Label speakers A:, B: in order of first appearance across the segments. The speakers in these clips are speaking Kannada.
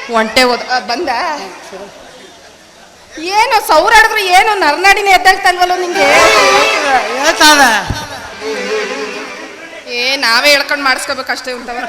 A: ಒಂಟೆ ಬಂದ ಏನು ಸೌರಾಡಿದ್ರು ಏನು ನರನಾಡಿನ ಎದ್ದಾಗ್ತಲ್ವಲ್ಲ ನಿಂಗೆ ನಾವೇ ಹೇಳ್ಕೊಂಡು ಮಾಡಿಸ್ಕೋಬೇಕಷ್ಟೇ ಉಂಟವ.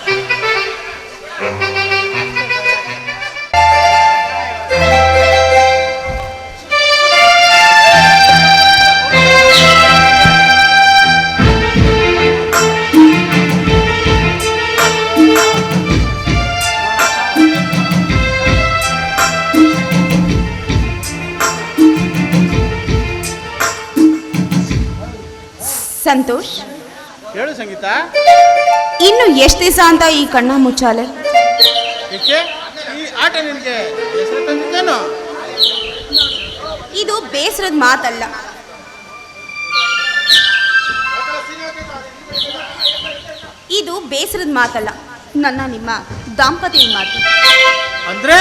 B: ಸಂತೋಷ್,
C: ಹೇಳು ಸಂಗೀತ.
B: ಇನ್ನು ಎಷ್ಟು ದಿವಸ ಅಂತ ಈ ಕಣ್ಣ ಮುಚ್ಚಾಲೆ?
C: ಈ ಆಟ ನಿನಗೆ ಹೆಸರು ತಂದಿದ್ದೇನು?
B: ಇದು ಬೇಸರದ ಮಾತಲ್ಲ. ಇದು ಬೇಸರದ ಮಾತಲ್ಲ, ನನ್ನ ನಿಮ್ಮ ದಾಂಪತ್ಯದ ಮಾತು.
C: ಅಂದ್ರೆ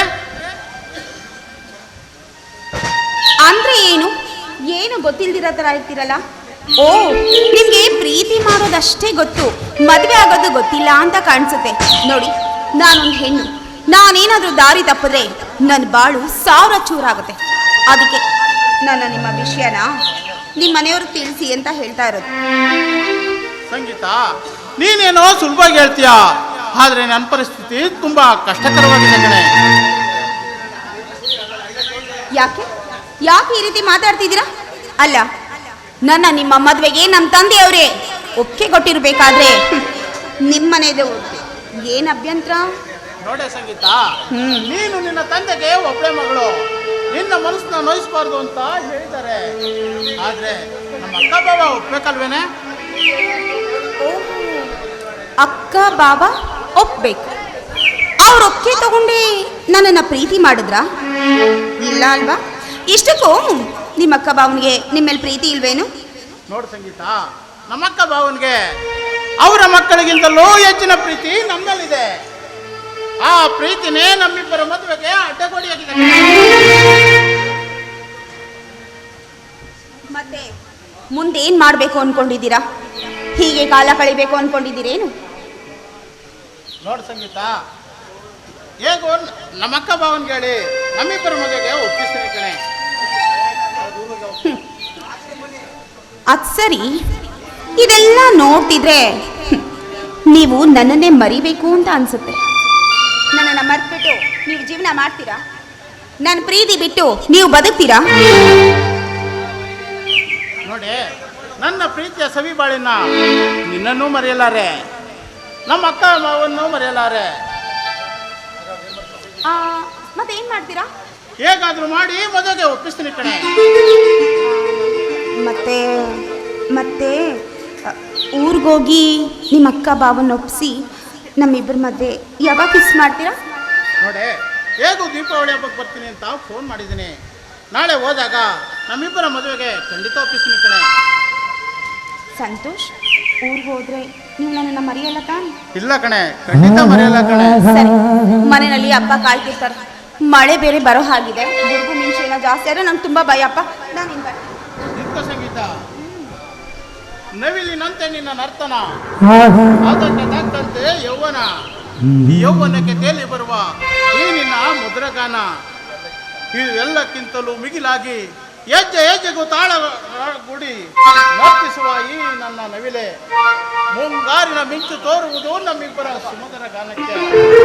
B: ಅಂದ್ರೆ ಏನು ಗೊತ್ತಿಲ್ದಿರೋ ಥರ ಇರ್ತೀರಲ್ಲ. ಓ, ನಿಮ್ಗೆ ಪ್ರೀತಿ ಮಾಡೋದಷ್ಟೇ ಗೊತ್ತು, ಮದುವೆ ಆಗೋದು ಗೊತ್ತಿಲ್ಲ ಅಂತ ಕಾಣಿಸುತ್ತೆ. ನೋಡಿ, ನಾನೊಂದು ಹೆಣ್ಣು, ನಾನೇನಾದ್ರೂ ದಾರಿ ತಪ್ಪಿದ್ರೆ ನನ್ನ ಬಾಳು 1000 ಚೂರಾಗುತ್ತೆ. ಅದಕ್ಕೆ ನನ್ನ ನಿಮ್ಮ ವಿಷಯನ ನಿಮ್ಮ ಮನೆಯವ್ರಿಗೆ ತಿಳಿಸಿ ಅಂತ ಹೇಳ್ತಾ ಇರೋದು.
C: ಸಂಗೀತ, ನೀನೇನೋ ಸುಲಭವಾಗಿ ಹೇಳ್ತೀಯ, ಆದ್ರೆ ನನ್ನ ಪರಿಸ್ಥಿತಿ ತುಂಬಾ ಕಷ್ಟಕರವಾಗಿದೆ ಕಣೆ.
B: ಯಾಕೆ ಈ ರೀತಿ ಮಾತಾಡ್ತಿದ್ದೀರಾ? ಅಲ್ಲ, ನನ್ನ ನಿಮ್ಮ ಮದುವೆಗೆ ನಮ್ಮ ತಂದೆಯವರೇ ಒಪ್ಪಿಗೆ ಕೊಟ್ಟಿರ್ಬೇಕಾದ್ರೆ ನಿಮ್ಮನೇದೇ ಏನು ಅಭ್ಯಂತರ?
C: ನೋಡೆ ಸಂಗೀತ, ನೀನು ನಿನ್ನ ತಂದೆಗೆ ಒಬ್ಬಳೆ ಮಗಳು, ನಿನ್ನ ಮನಸ್ಸನ್ನ ನೋಯಿಸಬಾರ್ದು ಅಂತ ಹೇಳಿದ್ದಾರೆ. ಆದ್ರೆ ನಮ್ಮ ಅಕ್ಕ ಬಾವ ಒಪ್ಬೇಕಲ್ವೇನೆ?
B: ಅಕ್ಕ ಬಾವ ಒಪ್ಬೇಕು. ಅವ್ರ ಒಪ್ಪಿಗೆ ತಗೊಂಡೆ ನನ್ನನ್ನು ಪ್ರೀತಿ ಮಾಡಿದ್ರ? ಇಲ್ಲ ಅಲ್ವಾ? ಇಷ್ಟಕ್ಕೂ ನಿಮ್ಮ ಅಕ್ಕ ಬಾವನಿಗೆ ನಿಮ್ಮೇಲೆ ಪ್ರೀತಿ ಇಲ್ವೇನು?
C: ನೋಡು ಸಂಗೀತ, ನಮ್ಮ ಅಕ್ಕ ಬಾವನಿಗೆ ಅವರ ಮಕ್ಕಳಿಗಿಂತಲೂ ಹೆಚ್ಚಿನ ಪ್ರೀತಿ ನಮ್ಮಲ್ಲಿದೆ. ಆ ಪ್ರೀತಿನೇ ನಮ್ಮಿಬ್ಬರ ಮದುವೆಗೆ ಅಡ್ಡಗೋಡಿಯಾಗಿದೆ.
B: ಮತ್ತೆ ಮುಂದೇನ್ ಮಾಡ್ಬೇಕು ಅನ್ಕೊಂಡಿದ್ದೀರಾ? ಹೀಗೆ ಕಾಲ ಕಳಿಬೇಕು ಅನ್ಕೊಂಡಿದ್ದೀರೇನು?
C: ನೋಡು ಸಂಗೀತ, ಹೇಗೋ ನಮ್ಮ ಅಕ್ಕ ಬಾವನ್ಗೆ ಹೇಳಿ ನಮ್ಮಿಬ್ಬರ ಮದುವೆಗೆ ಒಪ್ಪಿಸ್ತೀನಿ ಕಣೆ.
B: ಅದ್ ಸರಿ, ಇದೆಲ್ಲ ನೋಡ್ತಿದ್ರೆ ನೀವು ನನ್ನನ್ನೇ ಮರಿಬೇಕು ಅಂತ ಅನ್ಸುತ್ತೆ. ನನ್ನನ್ನು ಮರ್ತ್ಬಿಟ್ಟು ನೀವು ಜೀವನ ಮಾಡ್ತೀರಾ? ನನ್ನ ಪ್ರೀತಿ ಬಿಟ್ಟು ನೀವು ಬದುಕ್ತೀರಾ?
C: ನೋಡಿ, ನನ್ನ ಪ್ರೀತಿಯ ಸವಿ ಬಾಳಿನ ನಿನ್ನನ್ನೂ ಮರೆಯಲಾರೆ, ನಮ್ಮ ಅಕ್ಕ ಮಾವನ್ನು ಮರೆಯಲಾರೆ.
B: ಮತ್ತೇನ್ ಮಾಡ್ತೀರಾ?
C: ಹೇಗಾದ್ರೂ ಮಾಡಿ ಮದುವೆಗೆ ಒಪ್ಪಿಸ್ತೀನಿ ಕಣೆ.
B: ಮತ್ತೆ ಮತ್ತೆ ಊರಿಗೋಗಿ ನಿಮ್ಮ ಅಕ್ಕ ಬಾವನ್ನ ಒಪ್ಪಿಸಿ ನಮ್ಮಿಬ್ಬರ ಮಧ್ಯೆ ಯಾವಾಗ ಕಿಸ್ ಮಾಡ್ತೀರಾ?
C: ನೋಡಿ, ಹೇಗೂ ದೀಪಾವಳಿ ಹಬ್ಬಕ್ಕೆ ಬರ್ತೀನಿ ಅಂತ ಫೋನ್ ಮಾಡಿದ್ದೀನಿ. ನಾಳೆ ಹೋದಾಗ ನಮ್ಮಿಬ್ಬರ ಮದುವೆಗೆ ಖಂಡಿತ ಒಪ್ಪಿಸ್ತೀನಿ ಕಣೆ.
B: ಸಂತೋಷ್, ಊರಿಗೆ ಹೋದ್ರೆ ನೀವು ನನ್ನನ್ನು ಮರೆಯಲ್ಲ ತಾನೆ?
C: ಇಲ್ಲ ಕಣೆ, ಖಂಡಿತ ಮರೆಯಲ್ಲ ಕಣೆ.
B: ಸರಿ, ಮನೆಯಲ್ಲಿ ಹಬ್ಬ ಕಾಯ್ತಿರ್ತಾರೆ. ಮಳೆ ಬೇರೆ ಬರೋ ಹಾಗಿದೆ, ಗುಡುಗು ಮಿಂಚು ಏನೋ ಜಾಸ್ತಿ ಆದರೆ ನಂಗೆ ತುಂಬ ಭಯ. ಅಪ್ಪ, ನಾನು
C: ಸಂಗೀತ, ನವಿಲಿನಂತೆ ನಿನ್ನ ನರ್ತನ, ಅದಕ್ಕೆ ತಕ್ಕಂತೆ ಯೌವನ, ಈ ಯೌವನಕ್ಕೆ ತೇಲಿ ಬರುವ ಈ ನಿನ್ನ ಮುದ್ರಗಾನ, ಇವೆಲ್ಲಕ್ಕಿಂತಲೂ ಮಿಗಿಲಾಗಿ ಹೆಜ್ಜೆ ಹೆಜ್ಜೆಗೂ ತಾಳ ಗುಡಿ ನರ್ತಿಸುವ ಈ ನನ್ನ ನವಿಲೆ, ಮುಂಗಾರಿನ ಮಿಂಚು ತೋರುವುದು ನಮ್ಮಿಬ್ಬರ ಸುಮಧುರ ಗಾನಕ್ಕೆ.